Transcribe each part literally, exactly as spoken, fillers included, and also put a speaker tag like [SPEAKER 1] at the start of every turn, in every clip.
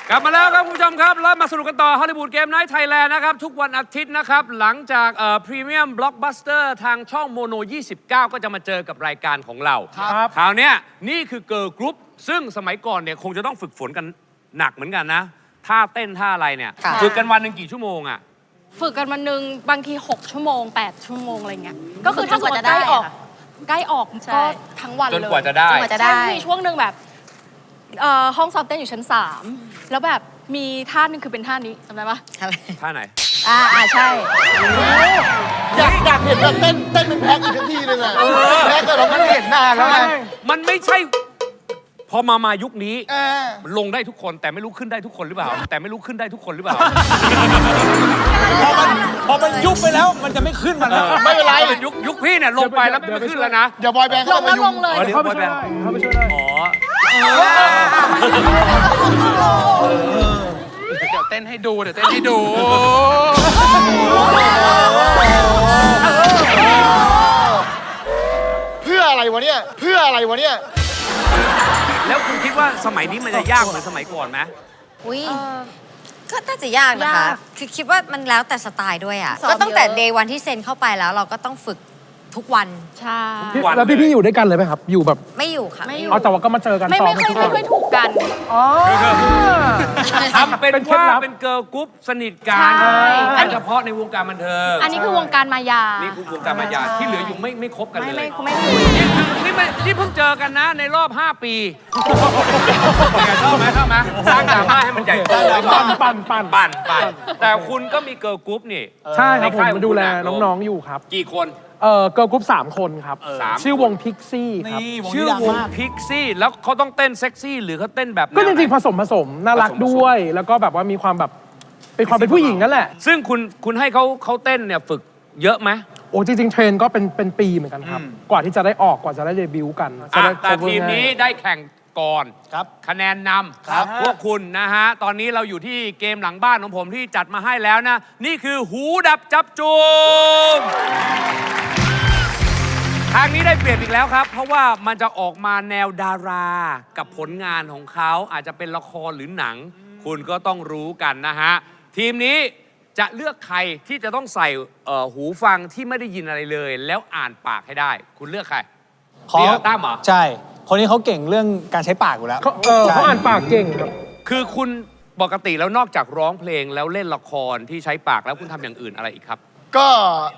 [SPEAKER 1] กลับมาแล้วครับคุณผู้ชมครับแล้วมาสนุกกันต่อฮอลลีวูดเกมไนท์ไทยแลนด์นะครับทุกวันอาทิตย์นะครับหลังจากเอ่อพรีเมียมบล็อกบัสเตอร์ทางช่องโมโนยี่สิบเก้าก็จะมาเจอกับรายการของเราครับคราวนี้นี่คือเกิร์ลกรุ๊ปซึ่งสมัยก่อนเนี่ยคงจะต้องฝึกฝนกันหนักเหมือนกันนะท่าเต้นท่าอะไรเนี่ยฝึกกันวันหนึ่งกี่ชั่วโมงอ่ะ
[SPEAKER 2] ฝึกกันวันหนึ่งบางทีหกชั่วโมงแปดชั่วโมงอะไรเงี้ยก็คือถ้าสมมติใกล้ออกใกล้ออกก็ทั้งวันเลย
[SPEAKER 1] จนกว่าจะได้
[SPEAKER 2] ใช่มีช่วงหนึ่งแบบห้องซ้อมเต้นอยู่ชั้นสามแล้วแบบมีท่านึงคือเป็นท่านี้จำได้ปะ
[SPEAKER 1] ท่าไหน
[SPEAKER 3] อ่าอ่าใช่
[SPEAKER 4] อยากอยากเห็นแบบเต้นเต้นเป็นแพ็คอีกทีนึงอ่ะแพ็คก็เราไม่เห็นนานแล้วไง
[SPEAKER 1] มันไม่ใช่พอมามายุคนี้ลงได้ทุกคนแต่ไม่รู้ขึ้นได้ทุกคนหรือเปล่าแต่ไม่รู้ขึ้นได้ทุกคนหรือเปล่า
[SPEAKER 5] พอมันพอมันยุบไปแล้วมันจะไม่ขึ้นมัน
[SPEAKER 4] ไม่เป็นไร
[SPEAKER 1] ยุคยุคพี่เนี่ยลงไปแล้วไม่ขึ้นแล้วนะ
[SPEAKER 4] อย่าบอยแบนด์
[SPEAKER 2] ลงแล้วลงเลย
[SPEAKER 5] เข้าไปช่วยได้เข้าไปช่วยได้
[SPEAKER 1] อ๋อ
[SPEAKER 5] เดี๋ยวเต้นให้ดูเดี๋ยวเต้นให้ดู
[SPEAKER 4] เพื่ออะไรวะเนี่ยเพื่ออะไรวะเนี่ย
[SPEAKER 1] แล้วคุณคิดว่าสมัยนี้มันจะยากเหมือนสมัยก่อนไหม
[SPEAKER 3] อุ้ยก็น่าจะยากนะคะคือคิดว่ามันแล้วแต่สไตล์ด้วยอ่ะก็ตั้งแต่เดย์วันที่เซ็นเข้าไปแล้วเราก็ต้องฝึกทุกวัน
[SPEAKER 2] ใช่
[SPEAKER 5] แล้วพี่พี่อยู่ด้วยกันเลยไหมครับอยู่แบบ
[SPEAKER 3] ไม่อยู่ค่ะ
[SPEAKER 2] ไม่อยู่
[SPEAKER 5] เอาแต่ว่าก็มาเจอกัน
[SPEAKER 2] ไม่ไม่ค่อยไม่ค่อยถูกกัน
[SPEAKER 5] อ๋อ
[SPEAKER 1] ทำเป็นว่าเป็นเกิร์ลกรุ๊ปสนิทกันโดยเฉพาะในวงการบันเทิง
[SPEAKER 2] อันนี้คือวงการมายา
[SPEAKER 1] นี่คือวงการมายาที่เหลืออยู่ไม่ไม่คบกันเลย
[SPEAKER 2] ไม่ไม่คุย
[SPEAKER 1] นี่คือนี่ไม่นี่เพิ่งเจอกันนะในรอบห้าปีชอบไหมชอบไหมสร้างดราม่าให้มันใหญ่โต
[SPEAKER 5] ปั่นปั่นปั่น
[SPEAKER 1] ปั่นปั่นแต่คุณก็มีเกิร์ลกรุ๊ปนี่
[SPEAKER 5] ใช่ครับผมมาดูแลน้องๆอยู่ครับ
[SPEAKER 1] กี่คน
[SPEAKER 5] เอ่อเกิร์ลกรุ๊ปสามคนครับชื่อวงพิกซี่ครับ
[SPEAKER 1] ชื่อวงพิกซี่แล้วเขาต้องเต้นเซ็กซี่หรือเขาเต้นแบบ
[SPEAKER 5] ก็จริงๆผสมผสมน่ารักด้วยแล้วก็แบบว่ามีความแบบเป็นความเป็นผู้หญิงนั่นแหละ
[SPEAKER 1] ซึ่งคุณคุณให้เขาเขาเต้นเนี่ยฝึกเยอะไหม
[SPEAKER 5] โอ้จริงๆเทรนก็เป็นเป็นปีเหมือนกันครับกว่าที่จะได้ออกกว่าจะได้เดบิวต์กัน
[SPEAKER 1] แต่ทีมนี้ได้แข่งก่อนคะแนนนำพวกคุณนะฮะตอนนี้เราอยู่ที่เกมหลังบ้านของผมที่จัดมาให้แล้วนะนี่คือหูดับจับจูมทางนี้ได้เปรียบอีกแล้วครับเพราะว่ามันจะออกมาแนวดารากับผลงานของเขาอาจจะเป็นละครหรือหนังคุณก็ต้องรู้กันนะฮะทีมนี้จะเลือกใครที่จะต้องใส่หูฟังที่ไม่ได้ยินอะไรเลยแล้วอ่านปากให้ได้คุณเลือกใคร
[SPEAKER 5] เขาตั้มเหรอใช่คนนี้เขาเก่งเรื่องการใช้ปากอยู่แล้วเขาอ่านปากเก่งครับ
[SPEAKER 1] คือคุณปกติแล้วนอกจากร้องเพลงแล้วเล่นละครที่ใช้ปากแล้วคุณทำอย่างอื่นอะไรอีกครับ
[SPEAKER 4] ก็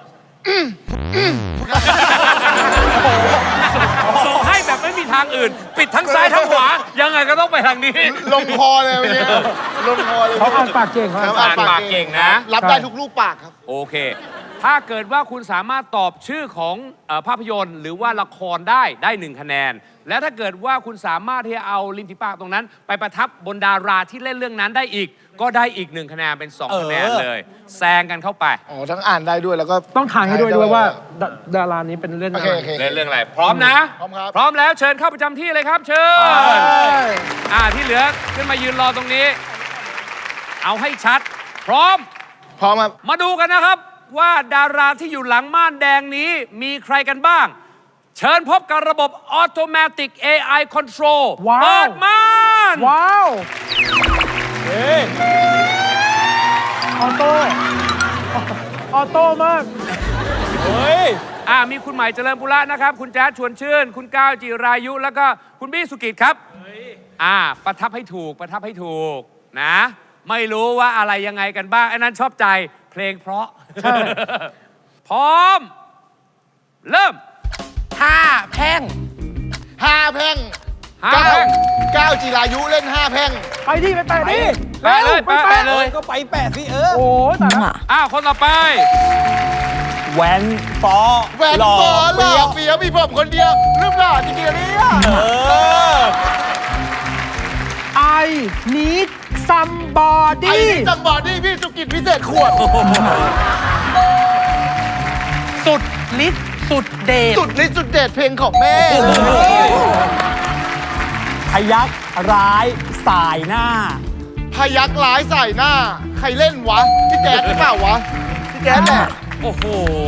[SPEAKER 1] ส่งให้แบบไม่มีทางอื่นปิดทั้งซ้ายทั้งขวายังไงก็ต้องไปทางนี้
[SPEAKER 4] ลงคอเลยวันนี้ลงคอเลย
[SPEAKER 5] เขาอ่านปากเก่ง
[SPEAKER 1] เขาอ่านปากเก่งนะ
[SPEAKER 4] รับได้ทุกลูกปากครับ
[SPEAKER 1] โอเคถ้าเกิดว่าคุณสามารถตอบชื่อของภาพยนตร์หรือว่าละครได้ได้หนึ่งคะแนนและถ้าเกิดว่าคุณสามารถที่จะเอาริมฝีปากตรงนั้นไปประทับบนดาราที่เล่นเรื่องนั้นได้อีกก็ได้อีกหนึ่งคะแนนเป็นสองคะแนนเลยแซงกันเข้าไป
[SPEAKER 4] อ๋อทั้งอ่านได้ด้วยแล้วก็
[SPEAKER 5] ต้องทายให้ด้วยด้วยว่าดารานี้เป็นเรื่องอะไร
[SPEAKER 1] เล่นเรื่องอะไรพร้อมนะ
[SPEAKER 4] พร้อมครับ
[SPEAKER 1] พร้อมแล้วเชิญเข้าประจำที่เลยครับเชิญอ่าที่เหลือขึ้นมายืนรอตรงนี้เอาให้ชัดพร้อม
[SPEAKER 4] พร้อมครับ
[SPEAKER 1] มาดูกันนะครับว่าดาราที่อยู่หลังม่านแดงนี้มีใครกันบ้างเชิญพบกับระบบ Automatic เอ ไอ Control เปิดม่าน
[SPEAKER 5] ว้าวเฮ้ออโต้ออโต้มาก
[SPEAKER 1] เฮ้ยอ่ามีคุณใหม่เจริญปุระนะครับคุณแจ๊ดชวนชื่นคุณก้าวจิรายุแล้วก็คุณบี้สุกิจครับอ่าประทับให้ถูกประทับให้ถูกนะไม่รู้ว่าอะไรยังไงกันบ้างไอ้นั้นชอบใจเพลงเพราะพร้อมเริ่ม
[SPEAKER 5] ห้าแพ่ง
[SPEAKER 4] ห้าแพ่ง
[SPEAKER 1] ห้าแพ่ง
[SPEAKER 4] ก้าวจิรายุเล่นห้าแพ่ง
[SPEAKER 5] ไปดิไปแปะดิ
[SPEAKER 1] ไปเลยไปแปะเลย
[SPEAKER 5] ก็ไปแปะสิเออโอ้แต่ละ
[SPEAKER 1] อ้าวคนต่อไป
[SPEAKER 5] แหวนปอ
[SPEAKER 4] แหวนปอหล่อเฟี้ยวมีผมคนเดียวรูปหล่อจริงๆเนี่ย
[SPEAKER 5] ไอนิดซัมบอดี้
[SPEAKER 4] ไอนิดซัมบอดี้พี่สุกิจพิเศษขวด
[SPEAKER 5] สุดฤทธิ์สุดเดช
[SPEAKER 4] สุดฤทธิ์สุดเดชเพลงของแม่
[SPEAKER 5] พยักร้ายสายหน้า
[SPEAKER 4] พยักร้ายสายหน้าใครเล่นวะพี่แจ๊ดหรือเปล่าวะพี่แจ๊ดแหละ
[SPEAKER 1] โอ้โห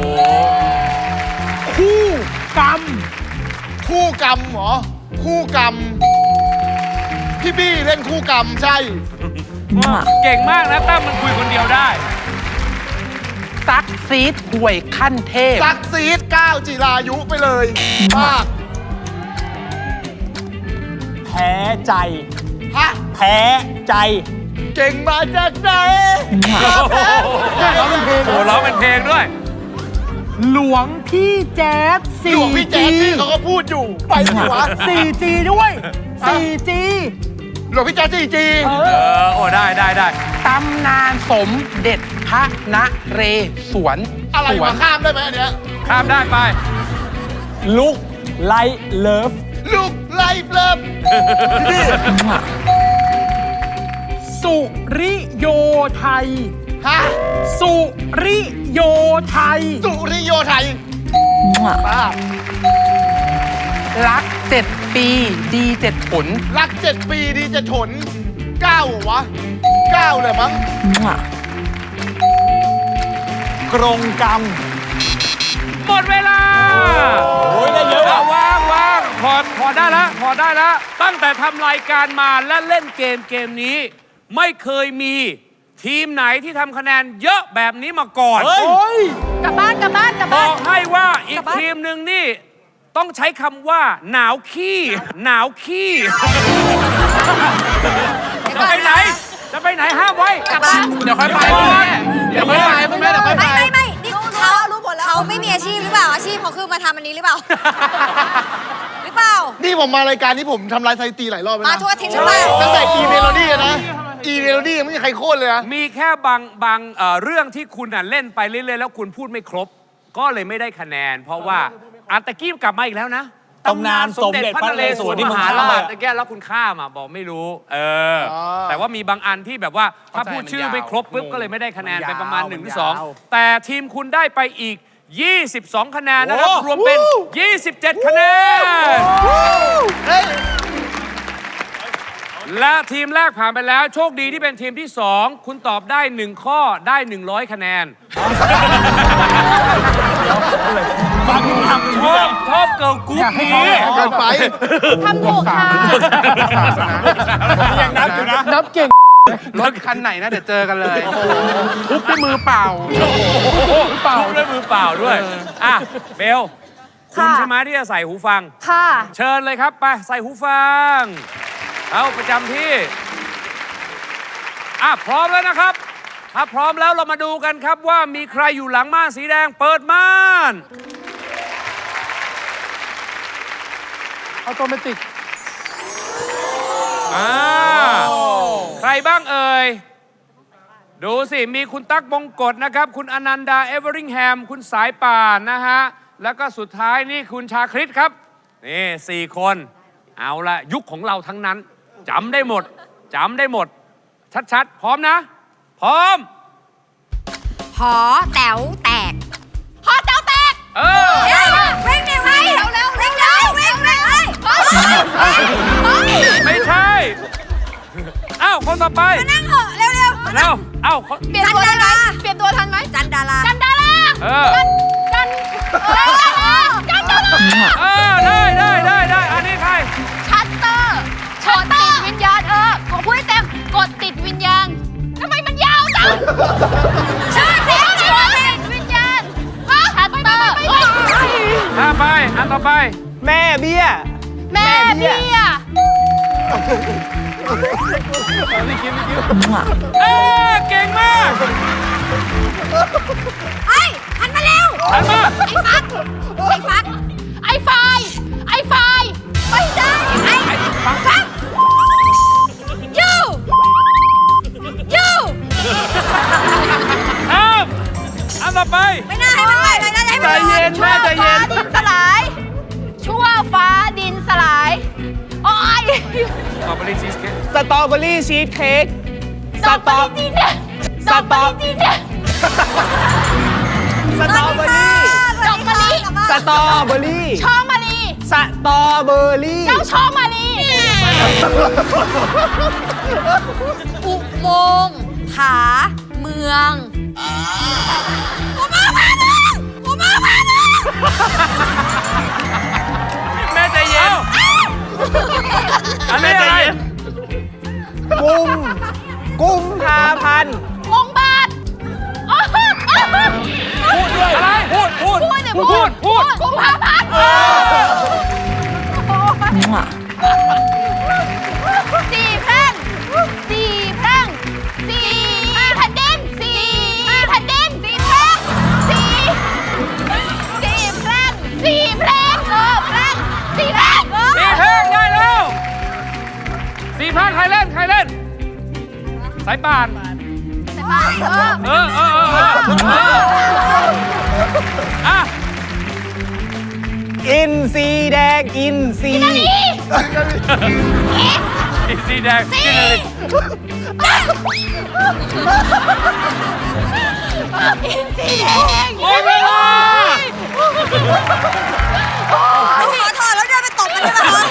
[SPEAKER 5] คู่กรรม
[SPEAKER 4] คู่กรรมเหรอคู่กรรมพี่บี้เล่นคู่กรรมใช่
[SPEAKER 1] เก่งมากนะตั้มมันคุยคนเดียวได้
[SPEAKER 6] ซักซีดห่วยขั้นเทพ
[SPEAKER 4] ซักซีดก้าวจิรายุไปเลยมาก
[SPEAKER 5] แพ้ใจ
[SPEAKER 4] ฮะ
[SPEAKER 5] แพ้ใจ
[SPEAKER 4] เก่งมาจากไหน
[SPEAKER 1] ร้องเป็นเพลงโอ้ร้องเป็นเพลงด้วย
[SPEAKER 7] หลวงพี่แจ๊ด
[SPEAKER 4] หลวงพี่แจ๊สที่เขาก็พูดอยู่ไปสิวะ
[SPEAKER 7] สี่จี ด้วย สี่จี
[SPEAKER 4] หลวงพี่แจ๊สจีจี
[SPEAKER 1] เออ โอ้ได้ได้ได้
[SPEAKER 6] ตำนานสมเด็จพระนเรศวร
[SPEAKER 4] อะไร
[SPEAKER 6] สว
[SPEAKER 4] มาน ข้ามได้ไหมอันเนี้ย
[SPEAKER 1] ข้ามได้ไป
[SPEAKER 5] ลุกไลเลิฟ
[SPEAKER 4] ลูกไล่เลิฟ
[SPEAKER 7] สุริโยไทย
[SPEAKER 4] ฮะ
[SPEAKER 7] สุริโยไทย
[SPEAKER 4] สุริโยไทยป้า
[SPEAKER 6] รักเจ็ดปีดีเจ็ดผล
[SPEAKER 4] รักเจ็ดปีดีจะฉนเก้าเหรอวะเก้าเลยมั้ง
[SPEAKER 5] กรงกรรม
[SPEAKER 1] หมดเวลา
[SPEAKER 5] โอ้ยได้เยอะอะ
[SPEAKER 1] วางวางพอพอได้แล้วพอได้แล้ว ตั้งแต่ทำรายการมาและเล่นเกมเกมนี้ ไม่เคยมีทีมไหนที่ทำคะแนนเยอะแบบนี้มาก่อน
[SPEAKER 5] เฮ้ย
[SPEAKER 2] กลับบ้านกลับบ้านกลับบ บ้า
[SPEAKER 1] อน กให้ว่าอี
[SPEAKER 2] กลั
[SPEAKER 1] ก
[SPEAKER 2] บบ้าน
[SPEAKER 1] ทีมหนึ่งนี่ ต้องใช้คำว่า หนาวขี้ หนาวขี้ จะไปไหน จะไปไหนห้ามไว้
[SPEAKER 3] กลับบ้าน
[SPEAKER 6] เดี๋ยวค่อยไปคุณแม่เดี๋ยวค่อยไปคุณแม่เดี๋ยวค่อยไป
[SPEAKER 3] ไม่ไม่ไม่นี่เขาเขาไม่มีอาชีพหรือเปล่า อาชีพเขาคือมาทำอันนี้หรือเปล่า หรือเปล่า
[SPEAKER 4] นี่ผมมารายการนี้ผมทำลายสถิติหลายรอบแล้ว
[SPEAKER 3] มา
[SPEAKER 4] นะ
[SPEAKER 3] ทั่วอาทิตย์หรือเปล่า
[SPEAKER 4] ตั้งแต่อีเมโลดี้นะ อีเมโลดี้ยังไม่มีใครโค่นเลยนะ
[SPEAKER 1] มีแค่บางบางเอ่อเรื่องที่คุณน่ะเล่นไปเรื่อยๆแล้วคุณพูดไม่ครบ ก็เลยไม่ได้คะแนน เพราะว่าอันตะกี้กลับมาอีกแล้วนะ
[SPEAKER 5] ตำนานสมเด็จพระนเรศวรที่
[SPEAKER 1] ม
[SPEAKER 5] มึง
[SPEAKER 1] หา
[SPEAKER 5] ข้าม
[SPEAKER 1] รา
[SPEAKER 5] ไป
[SPEAKER 1] ชตะแกแล้วคุณข้ามอ่ะบอกไม่รู้ เออ
[SPEAKER 4] อ๋อ
[SPEAKER 1] แต่ว่ามีบางอันที่แบบว่าถ้า
[SPEAKER 6] เข้าใจ
[SPEAKER 1] พูดชื่อ
[SPEAKER 6] มันยาว
[SPEAKER 1] ไม่ครบปุ๊บ
[SPEAKER 6] งง
[SPEAKER 1] ก็เลยไม่ได้คะแนน
[SPEAKER 6] มัน
[SPEAKER 1] ไป
[SPEAKER 6] ยาว
[SPEAKER 1] ประมาณ1นหรือ
[SPEAKER 6] มัน
[SPEAKER 1] สอง
[SPEAKER 6] ยาว
[SPEAKER 1] แต่ทีมคุณได้ไปอีก ยี่สิบสอง คะแนนนะครับ
[SPEAKER 5] โอ้
[SPEAKER 1] รวมเป็น ยี่สิบเจ็ด คะแนน
[SPEAKER 4] เฮ้ย
[SPEAKER 1] และทีมแรกผ่านไปแล้ว โชคดีที่เป็นทีมที่ สอง คุณตอบได้ หนึ่ง ข้อได้ หนึ่งร้อย คะแนน
[SPEAKER 5] ฟังทำ
[SPEAKER 1] ชอบชอบเกิร์ลกรุ๊ปนี้
[SPEAKER 4] เกินไป
[SPEAKER 2] ทำถูกค่ะ
[SPEAKER 5] ยังนับอยู่นะ
[SPEAKER 7] นับเก่ง
[SPEAKER 6] รถคันไหนนะ เดี๋ยวเจอกันเลยทุบด้วยมือเปล่า
[SPEAKER 1] เปล่าด้วยมือเปล่าด้วย อ่ะ เบล คุณใช่ไหมที่จะใส่หูฟัง
[SPEAKER 2] ค่ะ
[SPEAKER 1] เชิญเลยครับ ไป ใส่หูฟัง เอาประจำที่ อ่ะ พร้อมแล้วนะครับ ถ้าพร้อมแล้วเรามาดูกันครับว่ามีใครอยู่หลังม่านสีแดง เปิดม่าน
[SPEAKER 7] ออโตเมติก
[SPEAKER 1] อ่า ใครบ้างเอ่ย ดูสิ มีคุณตั๊กบงกฎนะครับ คุณอนันดา เอเวอริงแฮม คุณสายป่านนะฮะ แล้วก็สุดท้ายนี่คุณชาคริตครับ นี่สี่คน เอาละยุคของเราทั้งนั้น จำได้หมด จำได้หมด ชัดๆ พร้อมนะ พร้อม
[SPEAKER 3] หอแต๋วแตก
[SPEAKER 2] หอแต๋วแตก
[SPEAKER 1] เออ
[SPEAKER 3] เร็วเร่งเร็วเร็วเร็วเร็วเร็วเร็วเร่งเร็วเร็ว
[SPEAKER 1] ไม่ใช่ อ้าว คนต่อไป
[SPEAKER 3] นั่งเหอะเร็วเร็ว
[SPEAKER 1] เร็วเอ้าคน
[SPEAKER 2] เปลี่ยนตัวทันไหมเปลี่ยนตัวทันไหม
[SPEAKER 3] จันดารา
[SPEAKER 2] จันดารา
[SPEAKER 1] เออ
[SPEAKER 2] จันเออเออจันดารา
[SPEAKER 1] เออ ได้ได้ได้ได้อันนี้ใคร
[SPEAKER 2] ชัตเตอร์ชัตเตอร์วิญญาณเออขอพูดให้เต็มกดติดวิญญาณทำไมมันยาวจังชื่อเพลงชื่อเพลงวิญญาณชัตเตอร์
[SPEAKER 1] ถ้าไป อันต่อไป
[SPEAKER 7] แม่เบี้ย
[SPEAKER 2] แม่เบี้ย
[SPEAKER 1] เออเก่งมาก
[SPEAKER 3] ไอ้หันมาเร็ว
[SPEAKER 1] หันมา
[SPEAKER 3] ไอ้ฟักไอ้ฟัก
[SPEAKER 2] ไอไฟไอไฟ
[SPEAKER 3] ไม่ได้ไอ้ฟักฟักยูยู
[SPEAKER 1] ข้ามอันต่อไป
[SPEAKER 3] ไม่น่าให้มันไหวเลยนะให้มัน
[SPEAKER 7] ใจเย็น
[SPEAKER 2] ชั่ว
[SPEAKER 7] แม่ใจเย็
[SPEAKER 2] ฟ้าน ดินสลาย ชั่วฟ้าดินสลายโอ้ย
[SPEAKER 1] สตรอเบอรี่ชีสเค้ก
[SPEAKER 7] สตรอเบอรี่ชีสเค้ก
[SPEAKER 2] สตรอเบอรี่จีนเนี่ยสตรอเบอรี่จีนเนี่ย
[SPEAKER 7] สตรอเบอรี่
[SPEAKER 2] ดอกมะลิ
[SPEAKER 7] สตรอเบอรี่
[SPEAKER 2] ช่อมะลิ
[SPEAKER 7] สตรอเบอรี่
[SPEAKER 2] เจ้าช่อมะลิ
[SPEAKER 3] อุโมงค์ผาเมืองอุโมงค์ผาเมืองอุโมงค์ผาเมือง
[SPEAKER 1] แม่ใจเย็น อันนี้อะไร
[SPEAKER 7] มุมกุมภาพันธ์
[SPEAKER 2] มงบาทอ๋ออ๋อ
[SPEAKER 1] พูดด้วยอะไร พูด พูด
[SPEAKER 2] พูดเนี่ย
[SPEAKER 1] พูด พูด
[SPEAKER 2] กุมภาพันธ์สี่แพร่งสี่แพร่งสี่แผ่นดินสี่แผ่นดินสี่แพร่งสี่สี่แพร่งสี่แพร่งเออแพร่งสี่แพร่งเออ
[SPEAKER 1] สี่เพลงได้แล้วสี่เพลงใครเล่น ใครเล่น สายป่าน
[SPEAKER 2] เออ
[SPEAKER 1] เออเออเออเอออ่ะ
[SPEAKER 7] อินซีแดง อินซี
[SPEAKER 1] อีสีแดงกินเลย
[SPEAKER 2] อินสีแดง
[SPEAKER 1] โอ้ยเวลา
[SPEAKER 3] ขอถอดแล้วเดินไปตบมันได้ไหมคะ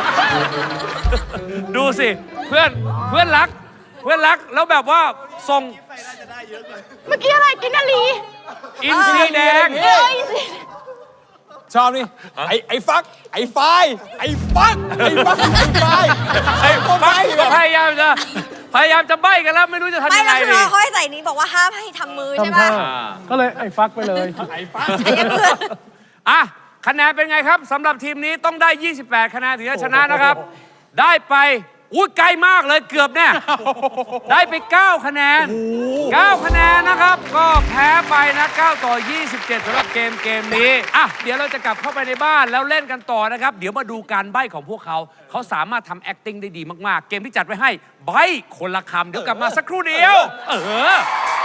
[SPEAKER 1] ดูสิ เพื่อน เพื่อนรัก เพื่อนรัก แล้วแบบว่าส่ง
[SPEAKER 2] เมื่อกี้อะไรกินนาลี
[SPEAKER 1] อินซีแดง
[SPEAKER 2] เอออินสี
[SPEAKER 5] ชอบนี่ ไอ้ไอ้ฟัก ไอ้ไฟไอ้ฟัก ไอ้ฟัก ไอ้ไฟ
[SPEAKER 1] ไอ้ฟักพยายามจะ พยายามจะใบ้กันแล้ว ไม่รู้จะทำ
[SPEAKER 3] ไม่
[SPEAKER 1] ยังไง
[SPEAKER 3] แล้วคือ
[SPEAKER 1] ดี
[SPEAKER 3] เราเขาให้ใส่นี้บอกว่าห้ามให้ทำมือใช่ป่ะ
[SPEAKER 4] ก็เลยไอ้ฟักไปเลย
[SPEAKER 5] ไอ้ฟัก
[SPEAKER 3] ไอ้เพื่อน
[SPEAKER 1] อ่ะ คะแนนเป็นไงครับสำหรับทีมนี้ต้องได้ ยี่สิบแปด คะแนนถึงจะชนะนะครับ ได้ไปอุ้ยไกลมากเลยเกือบเนี่ย ได้ไป เก้า คะแนน เก้า คะแนนนะครับ ก็แพ้ไปนะ เก้า ต่อ ยี่สิบเจ็ดสำหรับเกมเกมนี้ อ่ะ เดี๋ยวเราจะกลับเข้าไปในบ้านแล้วเล่นกันต่อนะครับ เดี๋ยวมาดูการใบ้ของพวกเขา เขาสามารถทำ acting ได้ดีมากๆ เกมที่จัดไว้ให้ใบ้คนละคำเดี๋ยวกลับมาสักครู่เดียว เออ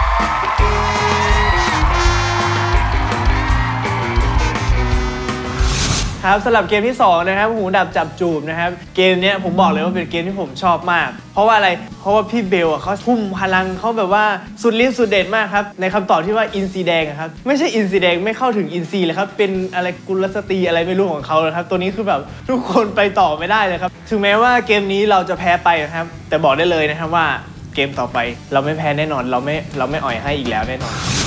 [SPEAKER 7] ครับสำหรับเกมที่สองนะครับหูดับจับจูบนะครับเกมเนี้ยผมบอกเลยว่าเป็นเกมที่ผมชอบมาก เพราะว่าอะไรเพราะว่าพี่เบลอ่ะเขาทุ่มพลังเขาแบบว่าสุดฤทธิ์สุดเด็ดมากครับในคำตอบที่ว่าอินซีแดงอะครับไม่ใช่อินซีแดงไม่เข้าถึงอินซีเลยครับเป็นอะไรกุลสตรีอะไรไม่รู้ของเขาเลยครับตัวนี้คือแบบทุกคนไปต่อไม่ได้เลยครับถึงแม้ว่าเกมนี้เราจะแพ้ไปนะครับแต่บอกได้เลยนะครับว่าเกมต่อไปเราไม่แพ้แน่นอนเราไม่เราไม่อ่อยให้อีกแล้วแน่นอน